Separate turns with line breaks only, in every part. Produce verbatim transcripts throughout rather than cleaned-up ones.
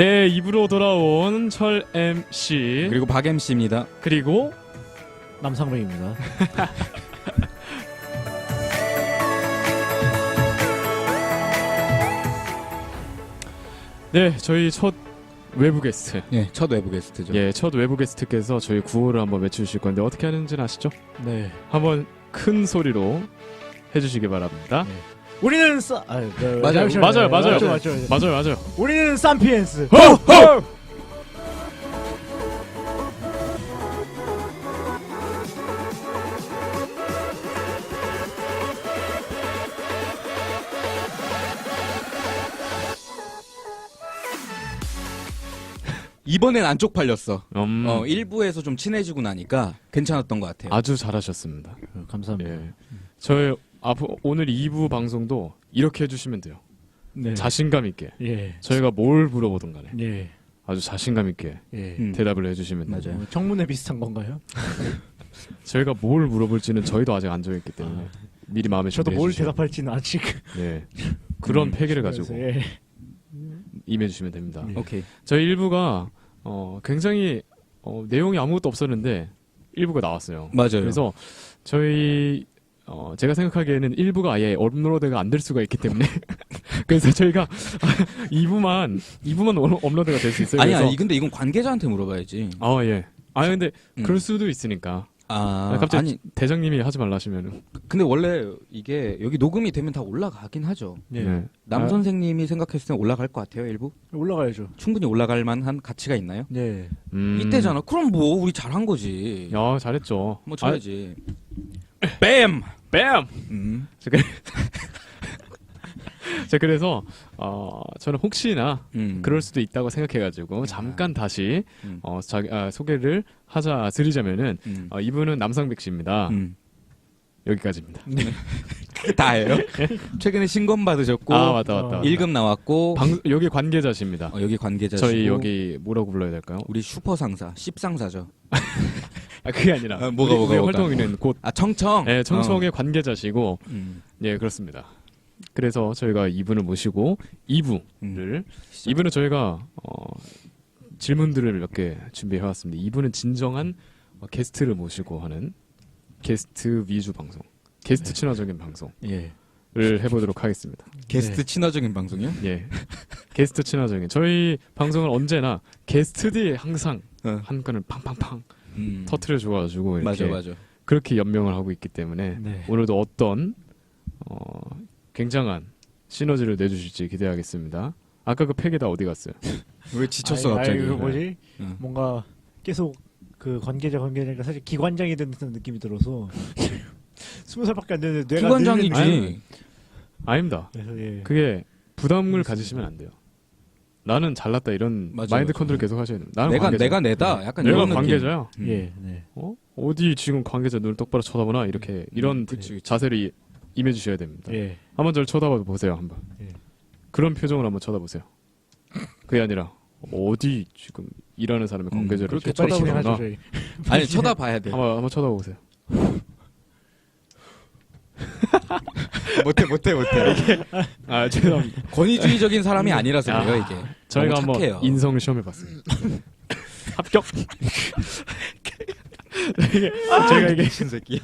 네, 입으로 돌아온 철 엠씨
그리고 박 엠씨입니다.
그리고
남상백입니다.
네, 저희 첫 외부 게스트.
예, 첫 외부 게스트죠.
예, 첫 외부 게스트께서 저희 구호를 한번 외쳐주실 건데 어떻게 하는지는 아시죠?
네.
한번 큰 소리로 해주시기 바랍니다.
네. 우리는 싸. 아, 네,
맞아요.
잠시만요.
맞아요, 맞아요.
맞죠, 맞죠, 맞죠.
맞아요, 맞아요.
우리는 삼피엔스.
호호!
이번엔 안 쪽팔렸어.
음,
어, 일부에서 좀 친해지고 나니까 괜찮았던 것 같아요.
아주 잘하셨습니다.
어, 감사합니다.
예, 저희 앞으로 오늘 이 부 방송도 이렇게 해주시면 돼요.
네.
자신감 있게.
예.
저희가 뭘 물어보든 간에
예.
아주 자신감 있게
예.
음.
대답을 해주시면 돼요.
맞아요.
어, 청문회 비슷한 건가요?
저희가 뭘 물어볼지는 저희도 아직 안 정했기 때문에 미리 마음에
저도
준비해
뭘
주시면.
대답할지는 아직.
네. 그런
음.
패기를 가지고
예.
임해주시면 됩니다.
예.
오케이.
저희 일부가 어, 굉장히 어, 내용이 아무것도 없었는데 일부가 나왔어요.
맞아요.
그래서 저희 어, 제가 생각하기에는 일부가 아예 업로드가 안 될 수가 있기 때문에 그래서 저희가 이 부만 이 부만 업로드가 될 수 있어요.
아니
그래서
아니 근데 이건 관계자한테 물어봐야지.
아 예. 아 근데
음.
그럴 수도 있으니까.
아,
갑자기
아니
대장님이 하지 말라 하시면은.
근데 원래 이게 여기 녹음이 되면 다 올라가긴 하죠.
예.
네.
남
아,
선생님이 생각했을 때 올라갈 것 같아요. 일부
올라가야죠.
충분히 올라갈 만한 가치가 있나요?
네.
음.
이때잖아. 그럼 뭐 우리 잘한 거지.
야 잘했죠.
뭐 쳐야지. 뱀.
아, 뱀.
음.
자 그래서 어, 저는 혹시나
음.
그럴 수도 있다고 생각해가지고 잠깐 다시
음.
어, 자기, 아, 소개를 하자 드리자면은
음.
어, 이분은 남상백 씨입니다.
음.
여기까지입니다.
그게 다예요? 최근에 신검 받으셨고
아 맞다 맞다.
어,
맞다.
일 급 나왔고
방, 여기 관계자십니다.
어, 여기 관계자시고
저희 여기 뭐라고 불러야 될까요?
우리 슈퍼 상사, 십 상사죠.
아 그게 아니라
아, 뭐가,
우리,
뭐가,
우리
뭐가.
활동이는 곧
아 청청.
예, 청청의 관계자시고
어. 음.
예 그렇습니다. 그래서 저희가 이분을 모시고 이 부를
음.
이 부는 저희가 어, 질문들을 몇 개 준비해 왔습니다. 이 부는 진정한 어, 게스트를 모시고 하는 게스트 위주 방송, 게스트
네.
친화적인 방송을
예.
해보도록 하겠습니다.
게스트
네.
친화적인 방송이요?
예, 게스트 친화적인 저희 방송은 언제나 게스트들이 항상
어.
한 건을 팡팡팡
음.
터트려 줘가지고 이렇게
맞아 맞아.
그렇게 연명을 하고 있기 때문에
네.
오늘도 어떤 어, 굉장한 시너지를 내주실지 기대하겠습니다. 아까 그 팩이 다 어디 갔어요?
왜 지쳤어
아이,
갑자기?
아이, 그 뭐지?
응.
뭔가 계속 그 관계자 관계자니까 사실 기관장이 된 듯한 느낌이 들어서 스무 살밖에 안 되는데 뇌가
기관장이지.
늙는
아닙니다.
그래서 예.
그게 부담을 가지시면 안 돼요. 나는 잘났다 이런
맞아,
마인드
맞아.
컨트롤 계속 하셔야 돼요. 나는
내가
관계자.
내가 내다. 약간
내가
이런 느낌.
관계자야.
음.
예. 네.
어? 어디 지금 관계자 눈을 똑바로 쳐다보나 이렇게 이런
그치, 그치.
자세를 이- 임해주셔야 됩니다.
예.
한번 저를 쳐다봐 보세요. 한번.
예.
그런 표정을 한번 쳐다보세요. 그게 아니라 어디 지금 일하는 사람의
음,
관계자를
그렇게
빨리 진행하죠
쳐다보나
저희.
아니 쳐다봐야 돼.
한번 한번 쳐다보세요.
못해 못해 못해.
아 죄송합니다.
권위주의적인 사람이 아니라서
아,
그래요 이게.
저희가
너무
한번
착해요.
인성을 시험해봤습니다. 합격. 이게 저희가 이게
미친 새끼.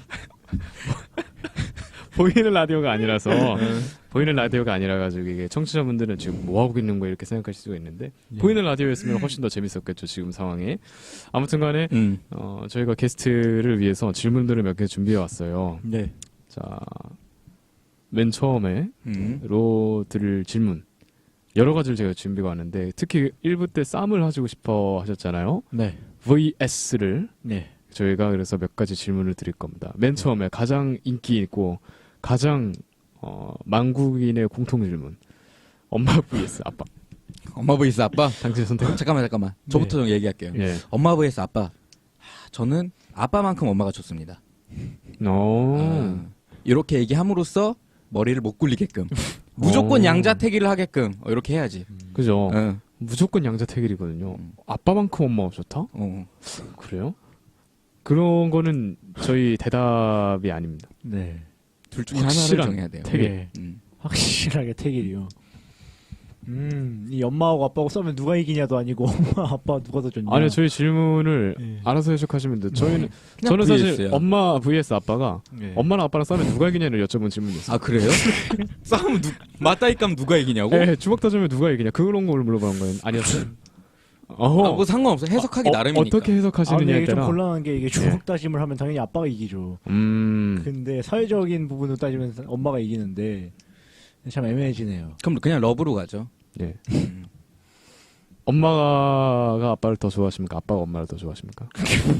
보이는 라디오가 아니라서 보이는 라디오가 아니라 가지고 이게 청취자분들은 지금 뭐 하고 있는 거야 이렇게 생각하실 수가 있는데
예.
보이는 라디오였으면 훨씬 더 재밌었겠죠 지금 상황에. 아무튼간에
음.
어, 저희가 게스트를 위해서 질문들을 몇 개 준비해 왔어요.
네.
자, 맨 처음에
음.
로 드릴 질문 여러 가지를 제가 준비가 왔는데 특히 일 부 때 쌈을 하시고 싶어 하셨잖아요.
네.
브이에스를
네.
저희가 그래서 몇 가지 질문을 드릴 겁니다. 맨 처음에 가장 인기 있고 가장 어, 만국인의 공통 질문. 엄마 vs 아빠.
엄마 vs 아빠.
당신 선택.
잠깐만 잠깐만. 저부터 좀 얘기할게요.
예.
엄마 vs 아빠. 하, 저는 아빠만큼 엄마가 좋습니다.
오.
아, 이렇게 얘기함으로써 머리를 못 굴리게끔 무조건
어.
양자택일을 하게끔 어, 이렇게 해야지.
그죠.
어.
무조건 양자택일이거든요.
음.
아빠만큼 엄마가 좋다?
어.
그래요? 그런 거는 저희 대답이 아닙니다.
네.
둘 중에 하나를
확실한
정해야 돼요.
택일.
예.
음.
확실하게 택일이요. 음, 이 엄마하고 아빠하고 싸우면 누가 이기냐도 아니고 엄마 아빠 누가 더 좋냐.
아니요, 저희 질문을
예.
알아서 해석하시면 돼요. 저희는
그냥
저는 사실
브이에스야.
엄마 vs 아빠가
예.
엄마랑 아빠랑 싸우면 누가 이기냐를 여쭤본 질문이었어요.
아 그래요? 싸움 누 맞다이까면 누가 이기냐고?
예, 주먹 다지면 누가 이기냐 그런 걸 물어보는 거예요. 아니었어요? 어허.
아, 뭐 상관없어. 해석하기
어,
나름이니까.
어떻게
아, 근데
해석하시느냐에
이게 좀
따라.
곤란한 게 이게 주먹 다짐을 하면 당연히 아빠가 이기죠.
음.
근데 사회적인 부분으로 따지면 엄마가 이기는데 참 애매해지네요.
그럼 그냥 러브로 가죠.
예.
음.
엄마가 아빠를 더 좋아하십니까? 아빠가 엄마를 더 좋아하십니까?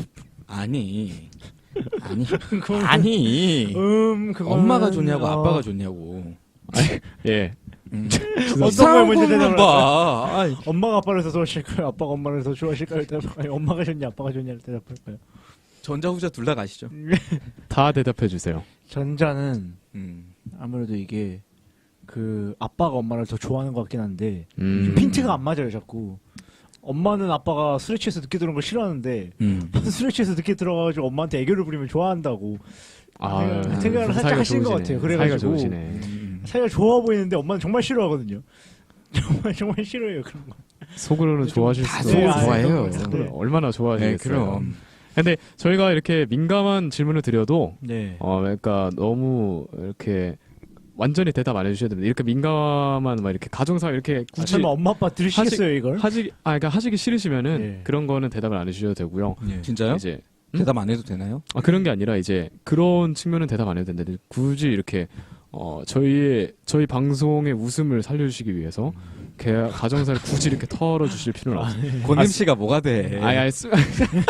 아니. 아니. 아니.
음, 그건
엄마가 좋냐고
어,
아빠가 좋냐고.
예.
음.
어떤 걸 먼저
싸움을
대답을
봐. 아이,
엄마가 아빠를 더 좋아하실까요? 아빠가 엄마를 더 좋아하실까요? 대답할까요? 엄마가 좋냐, 아빠가 좋냐를 대답할까요?
전자 후자 둘 다 가시죠.
다 대답해 주세요.
전자는
음.
아무래도 이게 그 아빠가 엄마를 더 좋아하는 것 같긴 한데
음.
핀트가 안 맞아요, 자꾸. 엄마는 아빠가 술에 취해서 늦게 들어온 걸 싫어하는데
음.
술에 취해서 늦게 들어가가지고 엄마한테 애교를 부리면 좋아한다고
아,
생각을- 생각을 살짝
사이가
하신 것
좋으시네.
같아요. 그래가지고.
사이가 좋으시네.
음.
사이가 좋아 보이는데 엄마는 정말 싫어하거든요. 정말 정말 싫어해요 그런 거.
속으로는 좋아하실
다
수도
속으로
네,
좋아해요.
아,
속으로
네.
얼마나
네,
좋아하시겠어요.
그럼.
근데 저희가 이렇게 민감한 질문을 드려도
네.
어 그러니까 너무 이렇게 완전히 대답 안 해주셔야 됩니다. 이렇게 민감한 막 이렇게 가정사 이렇게
아,
굳이
설마 엄마 아빠 들으시겠어요 이걸?
하지 아 그러니까 하시기 싫으시면은
네.
그런 거는 대답을 안 해주셔도 되고요.
네.
진짜요?
이제
대답 안 해도 되나요?
아 그런 게 아니라 이제 그런 측면은 대답 안 해도 된다. 굳이 이렇게 어 저희의 저희 방송의 웃음을 살려주시기 위해서 개, 가정사를 굳이 이렇게 털어주실 필요는 없어요.
권임 씨가 뭐가 돼?
아니 아니 쓰...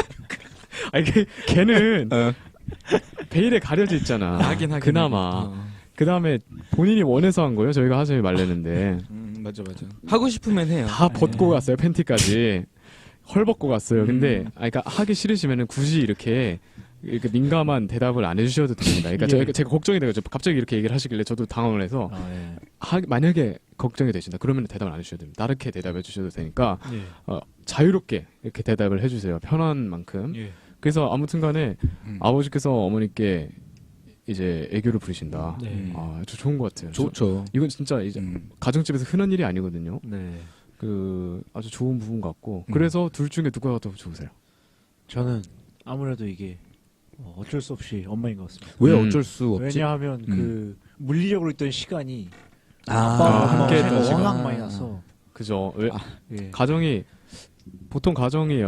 아니 걔, 걔는
어.
베일에 가려져 있잖아.
하긴 하긴.
그나마.
어.
그 다음에 본인이 원해서 한 거예요. 저희가 하자면 말랬는데
음, 맞아 맞아. 하고 싶으면 해요.
다 벗고 갔어요. 팬티까지 헐 벗고 갔어요. 근데
음.
아 그러니까 하기 싫으시면은 굳이 이렇게 이렇게 민감한 대답을 안 해주셔도 됩니다. 그러니까
예.
저희가 제가 걱정이 돼가지고 갑자기 이렇게 얘기를 하시길래 저도 당황을 해서
아, 예.
하, 만약에 걱정이 되신다. 그러면 대답을 안 해주셔도 됩니다. 다르게 대답해 주셔도 되니까
예.
어, 자유롭게 이렇게 대답을 해주세요. 편한 만큼.
예.
그래서 아무튼간에
음.
아버지께서 어머니께 이제 애교를 부리신다.
네.
아, 아주 좋은 것 같아요. 저-
좋죠.
이건 진짜 이제
음.
가정집에서 흔한 일이 아니거든요.
네.
그 아주 좋은 부분 같고
음.
그래서 둘 중에 누가 더 좋으세요?
저는 아무래도 이게 어, 어쩔 수 없이 엄마인 것 같습니다.
왜
음.
어쩔 수 없지?
왜냐하면
음.
그 물리적으로 있던 시간이
아,
아빠와 엄마와
함께
차이가
했던 시간.
워낙 많이 나서
그죠? 왜
아.
예.
가정이 보통 가정이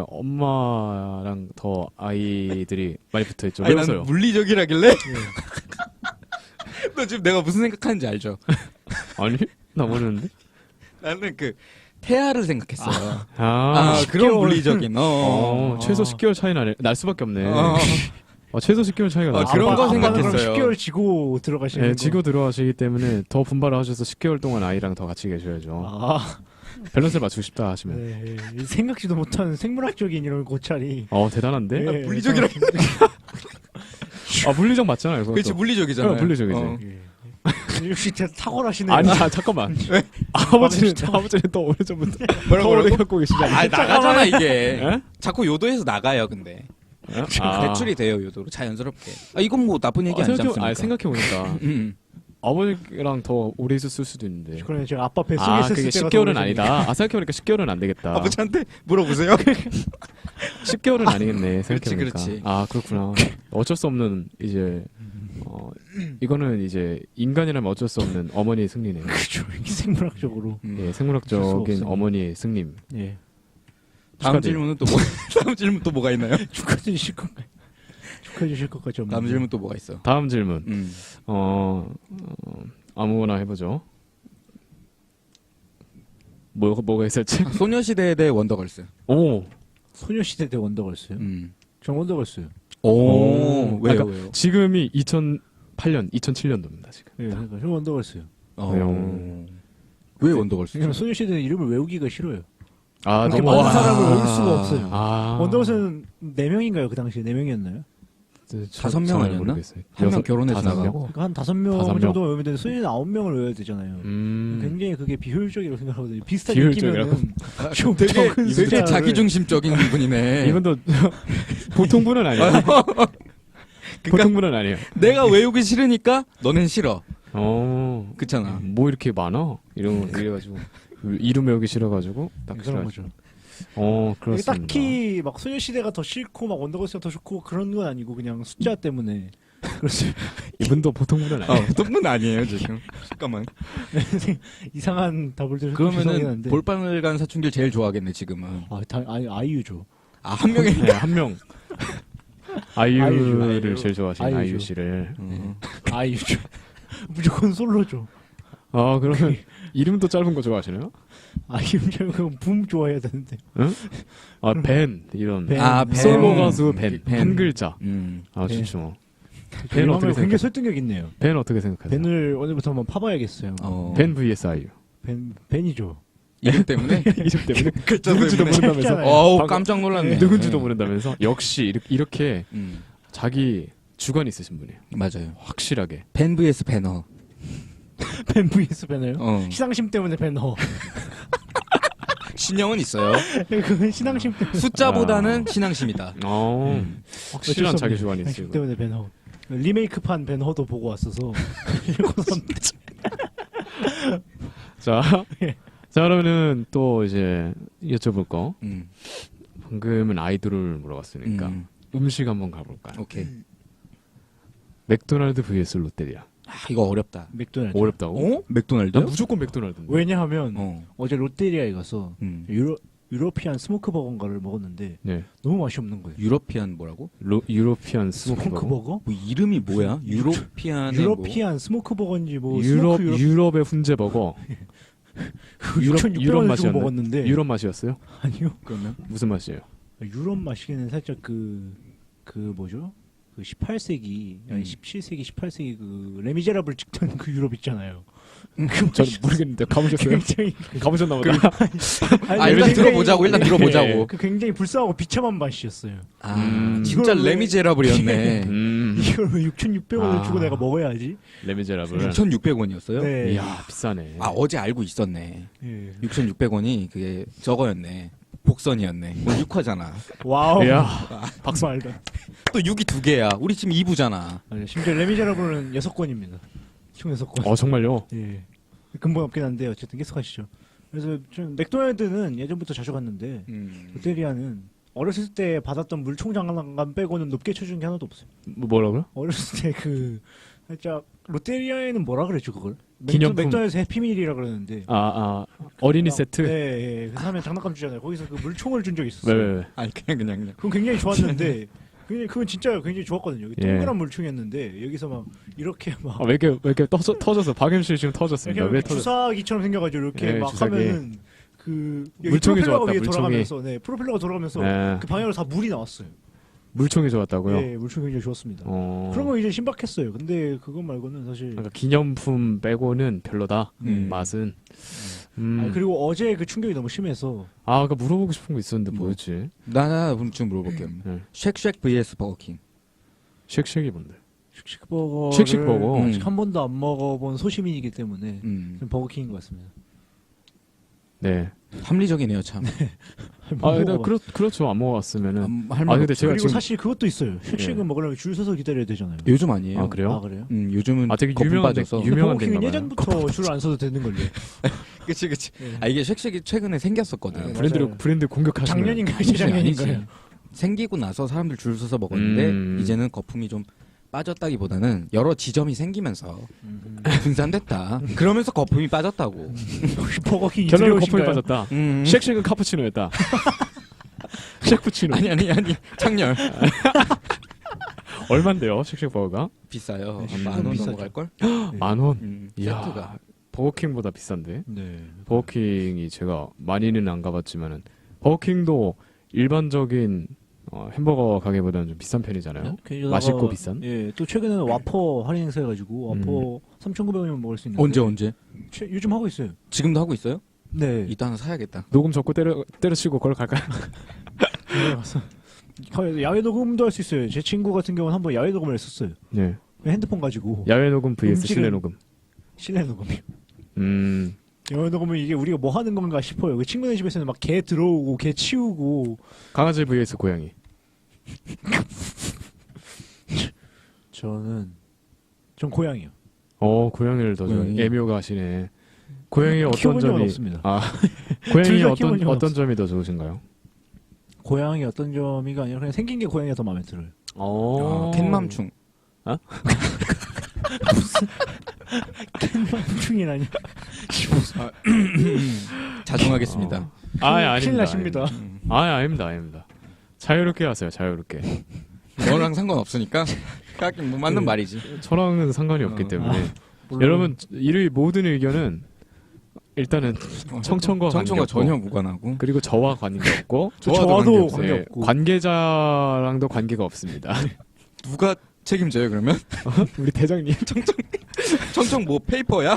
엄마랑 더 아이들이 많이 붙어 있죠.
아니,
왜서요?
나는 물리적이라길래. 너 지금 내가 무슨 생각하는지 알죠?
아니 나 모르는데.
나는 그 태아를 생각했어요.
아,
아,
십
그런
개월.
물리적인. 어.
어,
아.
최소 십 개월 차이 나네. 날 수밖에 없네.
어.
어, 최소 십 개월 차이가
아,
나.
그런 거
아빠는 그럼
생각했어요.
십 개월 지고 들어가시는
네,
거.
지고 들어가시기 때문에 더 분발을 하셔서 십 개월 동안 아이랑 더 같이 계셔야죠.
아,
밸런스를 맞추고 싶다 하시면.
네. 이 생각지도 못한 생물학적인 이런 고찰이.
어 대단한데?
예,
물리적이라.
아 물리적 맞잖아요. 그것도.
그렇지 물리적이잖아.
어, 물리적이지.
예. 역시 진짜 탁월하시네요.
아니 자, 잠깐만. 아버지는 아버지는 또 오래전부터
뭐라고
오래
뭐라고?
갖고 계시잖아요.
아 나가잖아 이게.
예?
자꾸 요도에서 나가요 근데.
아.
배출이 돼요 요도로 자연스럽게. 아 이건 뭐 나쁜 얘기
아,
아니지
생각해,
않습니까?
아, 생각해보니까
음.
아버지랑 더 오래 있었을 수도 있는데.
그러면 제가 아빠 뱃속에
아
있었을
그게
때가
십 개월은
더 오래전이니까.
아니다. 아 생각해보니까 십 개월은 안 되겠다.
아버지한테 물어보세요.
십 개월은 아니겠네.
그렇지,
생각해보니까.
그렇지.
아 그렇구나. 어쩔 수 없는 이제 어, 이거는 이제 인간이라면 어쩔 수 없는 어머니의 승리네요.
그렇죠. 이게 생물학적으로.
음.
예,
어쩔 수
생물학적인
없습니다.
어머니의 승림.
예.
다음
축하드려요.
질문은 또 뭐? 다음 질문 또 뭐가 있나요?
축하해 주실 건가요? 축하해 주실 것 같죠.
다음 질문 또 뭐가 있어?
다음 질문.
음.
어, 어 아무거나 해보죠. 뭐 뭐가 있었지?
소녀시대 대 원더걸스.
오
소녀시대 대 원더걸스요?
음.
전 원더걸스요.
오,
오.
왜요
그러니까
왜요?
지금이 이천팔 년, 이천칠 년도입니다 지금.
예, 그러니까 전 원더걸스요.
어.
왜요?
왜 원더걸스?
왜냐면 소녀시대는 이름을 외우기가 싫어요.
아
그렇게
너무
많은
와.
사람을 외울 수가 없어요.
아
원더걸스는 네 명인가요? 그 당시에 네 명이었나요?
저-
다섯 명
잘
아니었나?
모르겠어요.
한 명
여섯-
결혼해서
다섯 명?
나가고.
그러니까 한 다섯 명
다섯 명.
정도 외우면 되는데 소녀는 아홉 명을 외워야 되잖아요.
음.
굉장히 그게 비효율적이라고 생각하거든요. 비슷한
비효율적이라고?
인기면은 좀
되게
적은
되게
숫자를
자기중심적인 분이네.
이분도 보통 분은 아니에요. 보통 분은 아니에요.
내가 외우기 싫으니까 너넨 싫어.
어,
그렇잖아.
뭐 이렇게 많아? 이런 거 이래가지고 그 이름 외우기 싫어가지고 딱
그런
싫어.
거죠.
어
이게
그렇습니다.
딱히 막 소녀시대가 더 싫고 막 원더걸스가 더 좋고 그런 건 아니고 그냥 숫자 때문에 그렇죠.
이분도 보통 분은 아니에요.
어, 똥문 아니에요 지금. 잠깐만.
이상한 답을 들으면
그러면은
한데.
볼빨간 간 사춘기를 제일 좋아하겠네 지금은.
아, 다, 아, 아이유죠.
아 한 명이.
네, 한 명. 아이유를
아이유.
제일 좋아하시는
아이유죠.
아이유 씨를.
어.
아이유죠. 무조건 솔로죠.
아 그러면 이름도 짧은 거 좋아하시나요?
아이유면 그건 붐 좋아해야 되는데.
아 밴 이런
밴.
아, 밴.
솔로 가수 밴.
밴.
한 글자.
음.
아
밴.
진짜. 뭐. 밴
밴
어떻게
굉장히
생각하세요?
설득력 있네요.
밴 어떻게 생각하세요?
밴을 오늘부터 한번 파봐야겠어요.
어.
밴 vs 아이유.
밴, 밴이죠.
이름 때문에.
이름 때문에
글자
누군지도
때문에.
모른다면서.
짧잖아요.
어우
방금-
깜짝 놀랐네.
누군지도 모른다면서. 역시 이렇게, 이렇게
음.
자기 주관 있으신 분이에요.
맞아요.
확실하게.
밴 vs 배너.
밴 vs 밴어요?
어.
신앙심 때문에 밴어.
신형은 있어요.
그건 신앙심 때문에.
숫자보다는 신앙심이다.
어
음.
확실한 자기 주관이
신앙심
있으시고.
때문에 밴어. 리메이크판 밴허도 보고 왔어서.
자,
예.
자 그러면은 또 이제 여쭤볼 거.
음.
방금은 아이돌을 물어봤으니까
음.
음식 한번 가볼까요?
오케이.
맥도날드 vs 롯데리아.
아 이거 어렵다.
맥도날드.
어렵다고?
어? 맥도날드?
난 무조건 맥도날드인데.
왜냐하면
어.
어제 롯데리아에 가서
음.
유로 유로피안 스모크 버거인가를 먹었는데
네.
너무 맛이 없는 거예요.
유러피안 뭐라고?
로, 유로피안 스모크
스모크
버거.
버거?
뭐 이름이 뭐야? 유로피안의
유로피안 스모크 버거인지 뭐
유럽
스모크 유럽
유럽의 훈제 버거. 유럽-
육천육백
유럽
원을 주고
맛이었네.
먹었는데
유럽 맛이었어요?
아니요.
그러면
무슨 맛이에요?
유럽 맛이기는 살짝 그, 그 뭐죠? 그 십팔 세기, 아니
음.
십칠 세기, 십팔 세기 그 레미제라블 찍던 그 유럽 있잖아요.
전 모르겠는데 가보셨어요?
굉장히
가보셨나 보다.
아니,
아 일단
굉장히-
들어보자고 일단
예.
들어보자고.
그 굉장히 불쌍하고 비참한 맛이었어요.
아
음.
진짜
이걸 왜-
레미제라블이었네.
음.
이걸 왜 육천육백 원을
아.
주고 내가 먹어야지?
레미제라블.
육천육백 원이었어요?
네.
이야 비싸네.
아 어제 알고 있었네.
예.
육천육백 원이 그게 저거였네. 복선이었네. 오늘 육 화잖아.
와우.
이야
박수 말도.
또 육이 두 개야. 우리 지금 이 부잖아.
아니, 심지어 레미제라블은 여섯 권입니다. 총 여섯 권.
어 정말요?
예. 근본 없긴 한데 어쨌든 계속하시죠. 그래서 좀 맥도날드는 예전부터 자주 갔는데
음.
롯데리아는 어렸을 때 받았던 물총 장난감 빼고는 높게 쳐준 게 하나도 없어요.
뭐, 뭐라고요?
어렸을 때 그 살짝 롯데리아에는 뭐라 그랬죠 그걸?
기념품.
맥도, 맥도날드 해피밀이라 그러는데.
아, 아 어린이
막-
세트?
네, 예. 그래서 하면 장난감 주잖아요. 거기서 그 물총을 준 적이 있었어요.
왜, 왜, 왜?
아니 그냥 그냥 그냥.
그건 굉장히 좋았는데 그냥 그건 진짜 굉장히 좋았거든요.
예.
동그란 물총이었는데 여기서 막 이렇게 막
아, 왜 이렇게 왜 이렇게 터져, 터졌어? 박엠씨 지금 터졌습니다.
이렇게
왜 터졌어?
주사기처럼 생겨가지고 이렇게
예,
막
주사기.
하면은 그 여기
물총이
프로펠러가
좋았다,
위에
물총이.
돌아가면서 네 프로펠러가 돌아가면서
네.
그 방향으로 다 물이 나왔어요.
물총이 좋았다고요?
네, 물총 굉장히 좋았습니다.
어.
그런 거 이제 신박했어요. 근데 그거 말고는 사실
그러니까 기념품 빼고는 별로다.
음.
맛은. 음.
아, 그리고 어제 그 충격이 너무 심해서
아, 아까 물어보고 싶은 거 있었는데
뭐?
뭐였지?
나나 좀 물어볼게요.
네.
쉑쉑 vs 버거킹.
쉑쉑이 뭔데?
쉑쉑버거
쉑쉑버거.
아직
음.
한 번도 안 먹어본 소시민이기 때문에
음.
좀 버거킹인 것 같습니다.
네.
합리적이네요 참.
아, 근데
먹어봐.
그렇 그렇죠. 안 먹어봤으면은.
음, 할
아,
말
근데
없죠.
제가
그리고
지금
사실 그것도 있어요. 쉑쉑은
예.
먹으려면 줄 서서 기다려야 되잖아요.
요즘 아니에요.
아, 그래요?
아 그래요?
음, 요즘은
아, 되게
거품
유명한 데-
빠져서.
유- 유명한
버거킹은
데인가
예전부터 줄 안 서도 되는 걸요.
그치 그치.
예.
아 이게 쉑쉑이 최근에 생겼었거든.
네,
브랜드를
맞아요.
브랜드 공격하시는.
작년인가요?
아니지,
재작년인가요?
아니지. 생기고 나서 사람들 줄 서서 먹었는데
음.
이제는 거품이 좀 빠졌다기보다는 여러 지점이 생기면서
음.
분산됐다. 그러면서 거품이 빠졌다고.
혹시 버거킹
결론은 거품이
이슬이오신가요?
빠졌다.
음.
쉑쉑은 카푸치노였다. 쉑푸치노.
아니 아니 아니 창렬
얼만데요? 쉑쉑 버거가?
비싸요.
네,
한
좀
만 원
비싸죠.
넘어갈 걸?
네.
만 원.
음,
이야.
세트가.
버거킹보다 비싼데.
네.
버거킹이 제가 많이는 안 가봤지만은 버거킹도 일반적인 어, 햄버거 가게보다는 좀 비싼 편이잖아요.
게다가-
맛있고 비싼?
예, 또 최근에는 와퍼 할인 행사해가지고 와퍼 삼천구백 원이면 먹을 수 있는데
언제 언제?
최, 요즘 하고 있어요.
지금도 하고 있어요?
네.
이따 하나 사야겠다.
녹음 접고 때려 때려치고 그걸 갈까요?
이번에 가서 야외 녹음도 할 수 있어요. 제 친구 같은 경우는 한번 야외 녹음을 했었어요.
네.
그냥 핸드폰 가지고
야외 녹음 vs
음질은-
실내 녹음.
실내 녹음이요.
음.
야외 녹음은 이게 우리가 뭐 하는 건가 싶어요. 그 친구네 집에서는 막 개 들어오고 개 치우고
강아지 vs 고양이.
저는 전 고양이요.
어 고양이를 더 좋아해.
고양이.
애묘가 하시네. 고양이 어떤
키워본 적은
점이
없습니다.
아 고양이
둘다 키워본
어떤
적은
어떤
없어.
점이 더 좋으신가요?
고양이 어떤 점이가 아니라 그냥 생긴 게 고양이가 더 마음에 들어요.
어.
아, 캣맘충.
캔맘충이라니.
자중하겠습니다.
어. 아, 아닙니다.
큰일 나십니다.
음.
아, 아닙니다, 아닙니다. 자유롭게 하세요, 자유롭게.
너랑 상관없으니까. 하긴 뭐 맞는
네.
말이지.
저랑은 상관이 없기
어.
때문에.
물론
여러분, 이 모든 의견은 일단은 청청과
청청과
관계없고,
전혀 무관하고.
그리고 저와 관계없고
저와도
저와도
관계없어요.
네,
관계없고.
관계자랑도 관계가 없습니다.
누가 책임져요 그러면?
우리 대장님
청청 뭐 페이퍼야?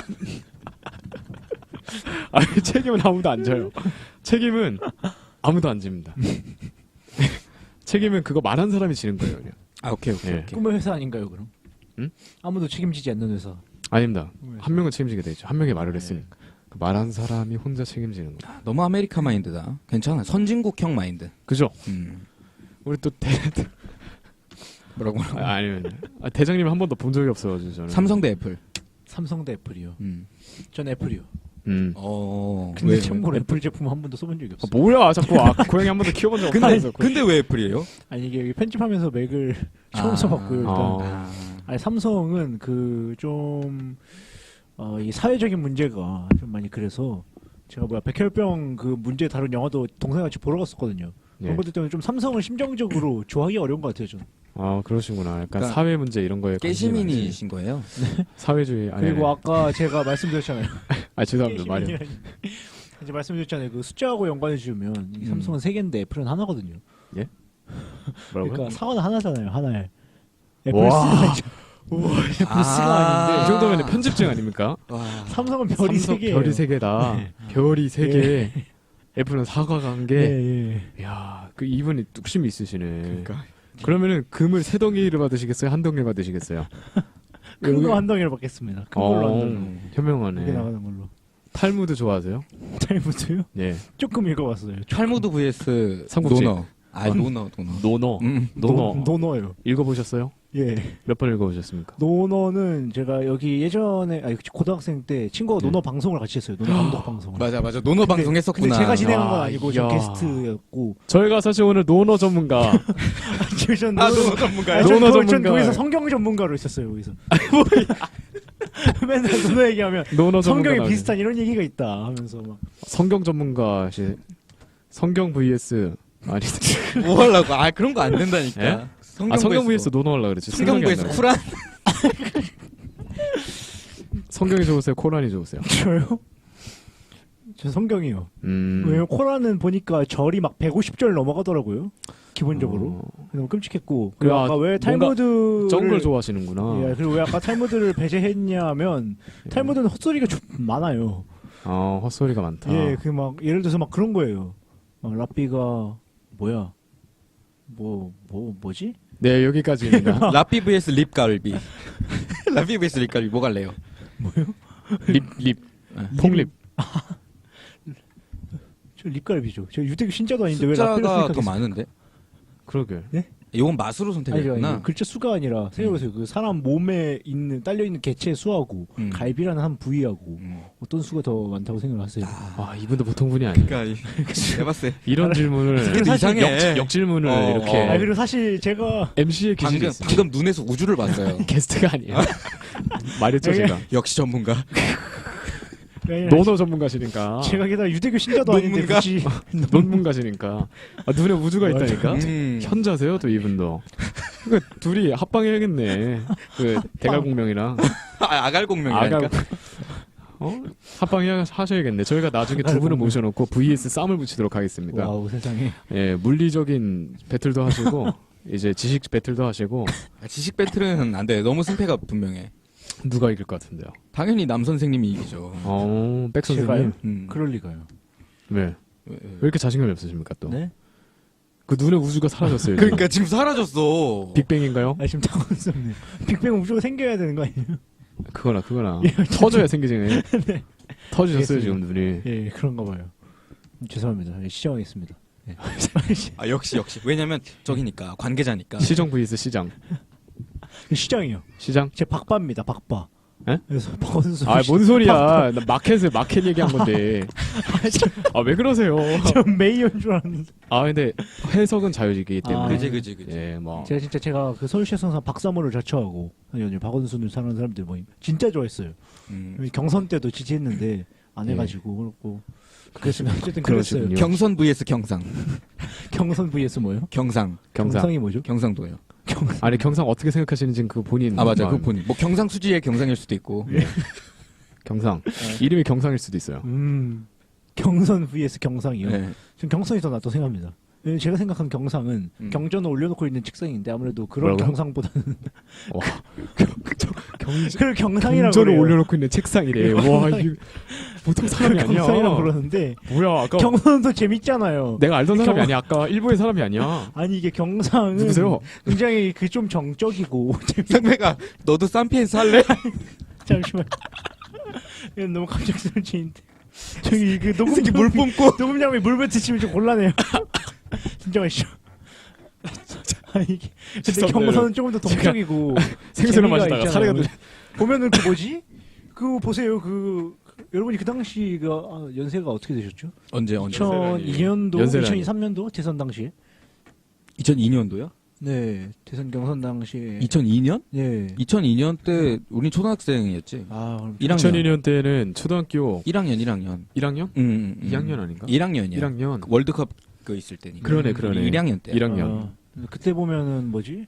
아니, 책임은 아무도 안 져요. 책임은 아무도 안 집니다. 책임은 그거 말한 사람이 지는 거예요. 그냥.
아 오케이 오케이
예.
오케이.
꿈의 회사 아닌가요, 그럼?
응?
아무도 책임지지 않는 회사.
아닙니다.
꿈의 회사.
한 명은 책임지게 되죠. 한 명이 말을
네.
했으니까. 그 말한 사람이 혼자 책임지는 거.
너무 아메리카 마인드다. 괜찮아. 선진국형 마인드.
그죠?
음.
우리 또 대,
뭐라고 뭐라고.
아, 아니면 아, 대장님 한 번도 본 적이 없어가지고 저는.
삼성 대 애플.
삼성 대 애플이요.
음.
전 애플이요.
음.
어.
근데
왜?
참고로 애플 제품 한 번도 써본 적이
아,
없어요.
뭐야 자꾸 아, 고양이 한 번도 키워본 적
근데
없다면서.
근데 왜 애플이에요?
아니 이게 여기 편집하면서 맥을 처음
아.
써봤고요. 일단
어.
아.
아니 삼성은 그 좀 어, 이 사회적인 문제가 좀 많이 그래서 제가 뭐야 백혈병 그 문제 다룬 영화도 동생과 같이 보러 갔었거든요.
예.
그런 것들 때문에 좀 삼성을 심정적으로 좋아하기 어려운 것 같아요. 저는.
아 그러시구나. 약간
그러니까
사회 문제 이런 거에 관심이 많으시-
깨시민이신 거예요?
사회주의. 아니,
그리고
아니.
아까 제가 말씀드렸잖아요.
아 죄송합니다. 말이.
게시민이라니. 이제 말씀드렸잖아요. 그 숫자하고 연관해 주면 이
음.
삼성은 세 개인데 애플은 하나거든요.
뭐라고요?
그러니까 사과는 하나잖아요. 하나에. 애플
와.
C가 아니죠. 애플 C가 아닌데
이 정도면 편집증 아닙니까?
와.
삼성은 별이 세
삼성
개예요.
별이 세 개다.
네.
별이 세 개. 애플은 사과가 한 개.
예, 예.
야, 그 이분이 뚝심이 있으시네.
그러니까.
그러면은 금을 세 덩이를 받으시겠어요? 한 덩이를 받으시겠어요?
큰
여기-
거 한 덩이를 받겠습니다. 큰 걸로 한
어,
덩이.
덩이.
이게
현명하네.
나가는 걸로.
탈무드 좋아하세요?
탈무드요?
예.
조금 읽어봤어요.
탈무드 vs
삼국지.
노너. 아 노너 노너.
노너.
음.
노너.
노, 노너요.
읽어보셨어요?
예.
몇 번 읽어보셨습니까?
노너는 제가 여기 예전에 아니 고등학생 때 친구가
네.
노너 방송을 같이 했어요. 노너 감독 방송을.
맞아 맞아. 노너
근데-
방송 했었구나.
근데 제가 진행한 건
아,
아니고 저
이야.
게스트였고.
저희가 사실 오늘 노너 전문가.
지금 전
아
노너,
노너 전문가요?
아니, 전
노너
거- 전
전문가.
거기서 성경 전문가로 있었어요. 거기서. 맨날 노너 얘기하면
노너 전문가.
성경에
나오네.
비슷한 이런 얘기가 있다 하면서 막.
성경 전문가시. 성경 vs 아니.
뭐 하려고? 아 그런 거 안 된다니까.
예?
성경,
아 성경 vs 노너 하려 그랬지.
성경
생각이 안
vs
나요.
쿠란.
성경이 좋으세요? 코란이 좋으세요?
저요? 저 성경이요.
음.
왜냐면 코란은 보니까 절이 막 백오십 절 넘어가더라고요. 기본적으로.
어,
너무 끔찍했고. 그리고
야,
아까 왜
뭔가
탈무드를
쩐걸 좋아하시는구나.
예, 그리고 왜 아까 탈무드를 배제했냐면
예.
탈무드는 헛소리가 좀 많아요.
어, 헛소리가 많다.
예, 그 막 예를 들어서 막 그런 거예요. 어, 라삐가 뭐야? 뭐 뭐 뭐, 지
네, 여기까지입니다.
라피 vs 립갈비. 라피 vs 립갈비 뭐 갈래요?
립, 립.
네.
폭립.
저 립갈비죠. 저 유대교 신자도 아닌데 왜 라삐를
숫자가 더
선택하겠어요?
많은데?
그러게.
이건 맛으로
아니,
선택했구나.
아니, 글자 수가 아니라 생각해보세요. 그 사람 몸에 있는 딸려 있는 개체의 수하고
음.
갈비라는 한 부위하고
음.
어떤 수가 더 많다고 생각하세요?
아, 이분도 보통 분이 아니에요.
그러니까 해봤어요.
이런 질문을.
그래도
사실
이상해.
역, 역질문을
어,
이렇게.
어.
아 그리고 사실 제가
엠씨의 기질이
방금
있어요.
방금 눈에서 우주를 봤어요.
게스트가 아니에요. 말했죠, 제가.
역시 전문가.
노너 전문가시니까.
제가 게다가 유대교 신자도 아닌데
논문가?
굳이
논문가시니까. 아, 눈에 우주가
맞아.
있다니까?
음.
현자세요, 또 이분도. 그 둘이 합방해야겠네. 그 대갈공명이랑.
아, 아갈공명이라니까.
아가. 어? 합방해 하셔야겠네. 저희가 나중에 두 분을 모셔놓고 브이에스 쌈을 붙이도록 하겠습니다.
와우 세상에.
예, 물리적인 배틀도 하시고, 이제 지식 배틀도 하시고,
아, 지식 배틀은 안 돼. 너무 승패가 분명해.
누가 이길 것 같은데요?
당연히 남 선생님이 이기죠.
어, 백
제가요?
선생님.
음.
그럴 리가요.
왜?
왜, 왜.
왜 이렇게 자신감이 없으십니까, 또?
네?
그 눈에 우주가 사라졌어요.
그러니까 지금 사라졌어.
빅뱅인가요?
아 지금 당황스럽네요. 빅뱅 우주가 생겨야 되는 거 아니에요?
그거나, 그거나.
예,
터져야 생기지네. 터지셨어요,
알겠습니다.
지금 눈이.
예, 그런가 봐요. 죄송합니다. 예, 시정하겠습니다. 예.
아 역시 역시. 왜냐면 저기니까 관계자니까.
시정 vs 시장.
시장이요.
시장?
제 박바입니다. 박바.
에?
그래서 박원순
아, 뭔 소리야. 나 마켓을 마켓 얘기한 건데. 아, 왜 그러세요?
저 메이어인 줄 알았는데.
아, 근데 해석은 자유지기
아,
때문에.
그지 그지 그지.
예, 뭐.
제가 진짜 제가 그 서울시청사 박사모를 자처하고 아니 박원순을 사는 사람들 모임 진짜 좋아했어요.
음.
경선 때도 지지했는데 안
예.
해가지고 그렇고 그랬으면 어쨌든 그랬어요.
그러시군요.
경선 vs 경상.
경선 vs 뭐요?
경상.
경상.
경상이 뭐죠?
경상도요.
경상.
아니, 경상 어떻게 생각하시는지 그 본인.
아 맞아. 그
마음.
본인. 뭐 경상 수지의 경상일 수도 있고.
예. 경상. 이름이 경상일 수도 있어요.
음 경선 vs 경상이요.
네.
전 경선이 더 낫다고 생각합니다. 왜냐면 제가 생각한 경상은
음.
경전을 올려놓고 있는 책상인데 아무래도 그런
뭐라고요?
경상보다는
와.
그걸 경상이라고
경전을
그래요.
올려놓고 있는 책상이래. 와, 이 보통 사람이 아니야.
경상이라고 그러는데
뭐야, 아까
경선도 재밌잖아요.
내가 알던 사람이
경-
아니야. 아까 일본의 사람이 아니야.
아니 이게 경상은
누구세요?
굉장히 그 좀 정적이고 재밌-
상배가 너도 쌈피엔스 할래?
잠시만. 이건 너무 갑작스러운데 저기 그 녹음
새끼 물 뿜고.
녹음장에 물 뱉으시면 좀 곤란해요. 진짜 맛있죠. 아니 이게 근데
죄송합니다,
경선은 조금 더 동적이고
생수를
재미가
마시다가
있잖아요.
사례가 들
보면은 그 뭐지? 그 보세요 그 그- 여러분이 그 당시 그 아, 연세가 어떻게 되셨죠?
언제 언제?
이천이 년도,
연세라니.
이천이삼 년도 대선 당시에.
이천이 년도요?
네, 대선 경선 당시에.
이천이 년?
네.
이천이 년 때 우린 초등학생이었지.
아, 그럼
일 학년.
이천이 년 때는 초등학교
일 학년 일 학년.
일 학년?
음, 음, 음.
이 학년 아닌가?
일 학년이야.
일 학년.
그 월드컵 그 있을 때니까.
그러네, 그러네.
일 학년 때.
일 학년.
아, 그때 보면은 뭐지?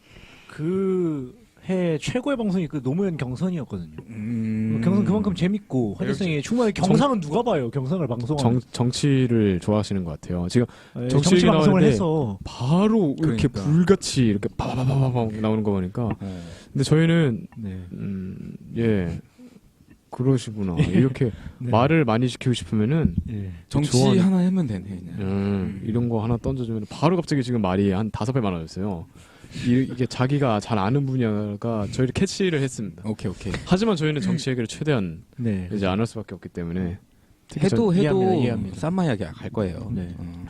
그 해 최고의 방송이 그 노무현 경선이었거든요.
음.
경선 그만큼 재밌고 화제성이 충분히 경상은 누가 봐요? 경선을 방송하는
정, 정치를 좋아하시는 것 같아요. 지금
예,
정치
정치
얘기
방송을
나오는데
해서
바로 이렇게
그러니까.
불같이 이렇게 파바바바바 나오는 거 보니까.
어.
근데 저희는
네.
음, 예. 그러시구나. 이렇게
네.
말을 많이 시키고 싶으면은
예.
정치
좋아하는-
하나 하면 되네. 그냥.
음, 이런 거 하나 던져주면 바로 갑자기 지금 말이 한 다섯 배 많아졌어요. 이, 이게 자기가 잘 아는 분야가 저희를 캐치를 했습니다.
오케이 오케이.
하지만 저희는 정치 얘기를 최대한
네.
이제 안 할 수밖에 없기 때문에 특히
해도
전-
해도
이해합니다, 이해합니다.
쌈마 이야기 갈 거예요.
네.
어.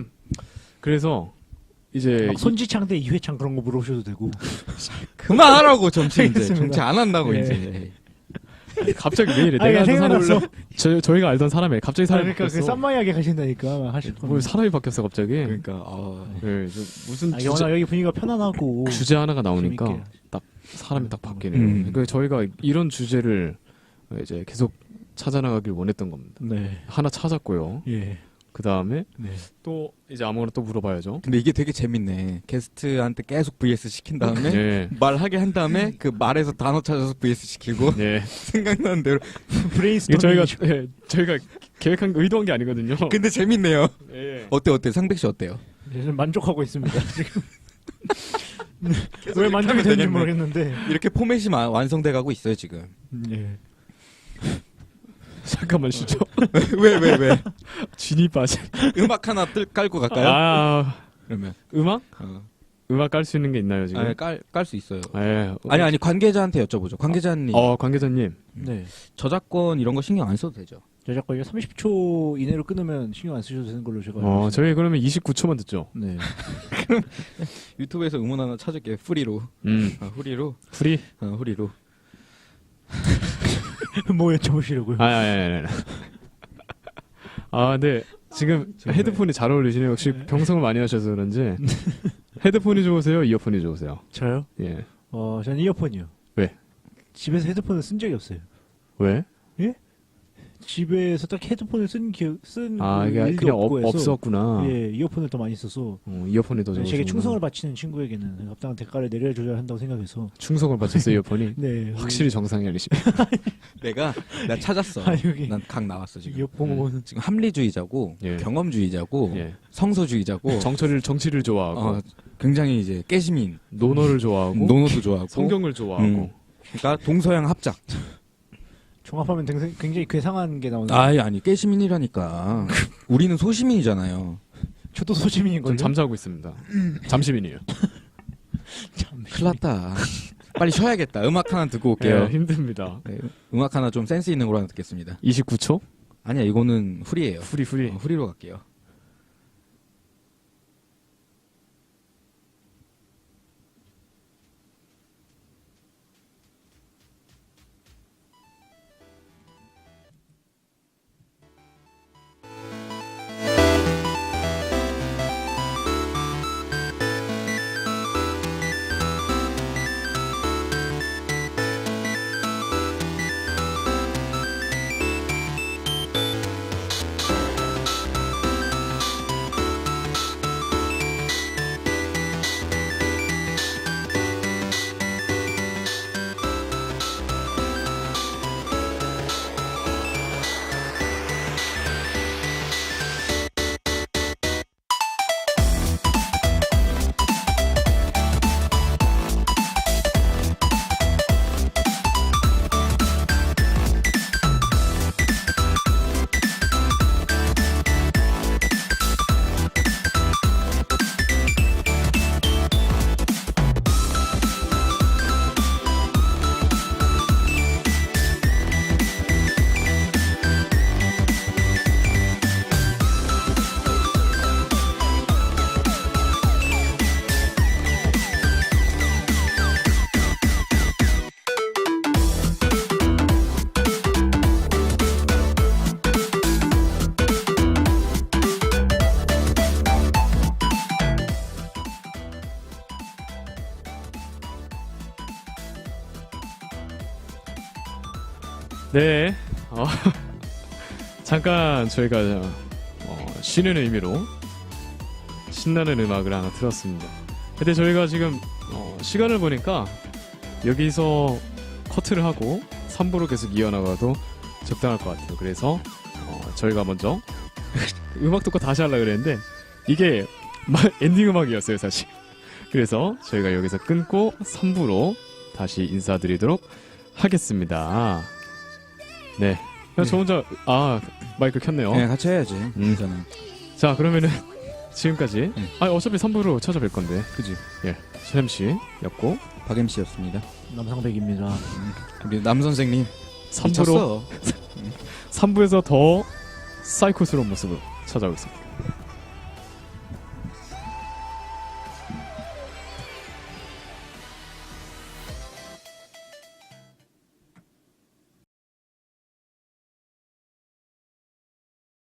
그래서 이제
막 손지창 대 이회창 그런 거 물어보셔도 되고.
그만하라고 정치 이제
알겠습니다.
정치 안 한다고
예.
이제.
이- 갑자기 왜 이래?
아니,
내가 알던 사람
생각났어.
저 저희가 알던 사람이 갑자기
아,
사람이
그러니까 그
바뀌었어.
쌈마 이야기 가신다니까 하실
뭘
거면.
사람이 바뀌었어 갑자기?
그러니까 어.
네, 저 무슨
아,
주제,
워낙 여기 분위기가 편안하고.
주제 하나가 나오니까
재밌게.
딱 사람이 딱 바뀌네요.
음.
그러니까 저희가 이런 주제를 이제 계속 찾아나가길 원했던 겁니다.
네.
하나 찾았고요.
예.
그 다음에
네.
또 이제 아무거나 또 물어봐야죠.
근데 이게 되게 재밌네. 게스트한테 계속 브이에스 시킨 다음에
네.
말하게 한 다음에 그 말에서 단어 찾아서 브이에스 시키고
네.
생각나는 대로.
이게
브레인스토밍.
저희가 예, 저희가 계획한 거 의도한 게 아니거든요.
근데 재밌네요.
예.
어때 어때 상백 씨 어때요?
저는 만족하고 있습니다. 지금.
계속
왜
이렇게
만족이
하면
되는지
되겠네.
모르겠는데.
이렇게 포맷이 마- 완성돼 가고 있어요 지금.
예.
잠깐만 쉬죠.
왜 왜 왜?
진이 빠진.
음악 하나 뜰 깔고 갈까요?
아
그러면
음악?
어.
음악 깔 수 있는 게 있나요 지금?
깔깔 수 있어요.
예.
아니 아니 관계자한테 여쭤보죠. 관계자님
어 관계자님.
네.
저작권 이런 거 신경 안 써도 되죠.
저작권이 삼십 초 이내로 끊으면 신경 안 쓰셔도 되는 걸로 제가. 알고
어
있습니다.
저희 그러면 이십구 초만 듣죠.
네.
유튜브에서 음원 하나 찾을게요. 프리로.
음.
아, 후리로.
프리?
어, 후리로.
뭐 여쭤보시려고요?
아, 아, 아, 아, 아. 아, 근데 지금 헤드폰이 잘 어울리시네요. 역시 병성을 많이 하셔서 그런지. 헤드폰이 좋으세요? 이어폰이 좋으세요?
저요?
예.
어, 저는 이어폰이요.
왜?
집에서 헤드폰을 쓴 적이 없어요.
왜?
집에서 딱 헤드폰을 쓴 기억, 쓴
아,
그
이게
일도
그냥
없고
없,
해서.
없었구나.
예, 이어폰을 더 많이 써서
어, 이어폰이 더 좋으시구나.
제게 충성을 바치는 친구에게는 합당한 대가를 내려줘야 한다고 생각해서.
충성을 바쳤어요, 이어폰이.
네.
확실히 정상이 아니시.
내가 나 찾았어.
아, 여기.
난 각 나왔어 지금.
이어폰은
지금 합리주의자고
예.
경험주의자고
예.
성서주의자고
정치를 정치를 좋아하고
어, 굉장히 이제 깨시민
노노를 좋아하고
노노도 좋아하고
성경을 좋아하고
음. 그러니까 동서양 합작.
종합하면 굉장히, 굉장히 괴상한 게 나오는.
아니 아니 깨시민이라니까. 우리는 소시민이잖아요.
저도 소시민인
좀
걸요.
잠자고 있습니다. 잠시민이에요.
참.
큰일났다. 빨리 쉬어야겠다. 음악 하나 듣고 올게요.
예, 힘듭니다.
네, 음악 하나 좀 센스 있는 거 하나 듣겠습니다.
이십구 초?
아니야 이거는 후리예요.
후리 후리.
어, 후리로 갈게요.
네, 어, 잠깐 저희가 어, 쉬는 의미로 신나는 음악을 하나 틀었습니다. 근데 저희가 지금 어, 시간을 보니까 여기서 커트를 하고 삼 부로 계속 이어나가도 적당할 것 같아요. 그래서 어, 저희가 먼저 음악 듣고 다시 하려고 그랬는데 이게 마- 엔딩 음악이었어요 사실. 그래서 저희가 여기서 끊고 삼 부로 다시 인사드리도록 하겠습니다. 네. 그냥 저 혼자 아 마이크 켰네요.
네, 같이 해야지.
음.
저는.
자 그러면은 지금까지
네.
아 어차피 삼 부로 찾아뵐 건데
그지.
최샘 씨였고
박엠 씨였습니다.
남상백입니다.
우리 남 선생님.
삼 부로
미쳤어.
삼 부에서 더 사이코스러운 모습으로 찾아오겠습니다.